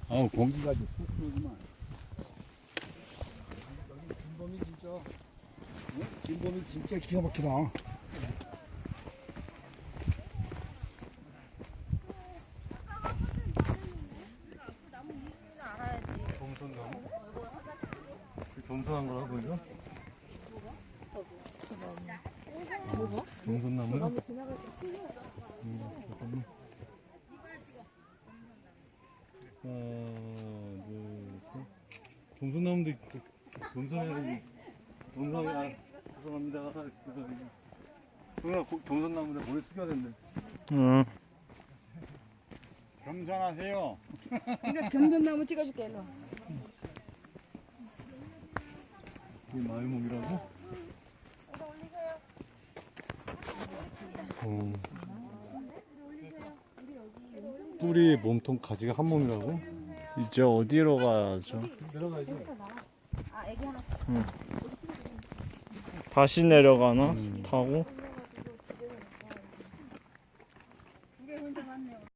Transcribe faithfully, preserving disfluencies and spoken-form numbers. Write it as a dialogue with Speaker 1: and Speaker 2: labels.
Speaker 1: 어, 공기가 좀 푹푹하구만. 여기 진범이 진짜, 어? 진범이 진짜 기가 막히다.
Speaker 2: 겸손나무? 그 겸손한 거라고 보이죠?
Speaker 3: 뭐가?
Speaker 2: 겸손나무?
Speaker 3: 나무 지나갈 때
Speaker 2: 음, 잠깐만. 하나, 둘, 셋. 겸손나무도 있고, 겸손해야 겸손해, 아, 죄송합니다. 동현아, 겸손나무인데 머리 숙여야 된대.
Speaker 4: 응.
Speaker 1: 겸손하세요.
Speaker 3: 이거 겸손나무 찍어줄게. 일로.
Speaker 2: 이게 마을목이라고? 어. 뿌리, 몸통, 가지가 한 몸이라고?
Speaker 4: 이제 어디로 가야죠?
Speaker 2: 내려가야지.
Speaker 4: 다시 내려가나?
Speaker 2: 음.
Speaker 4: 타고?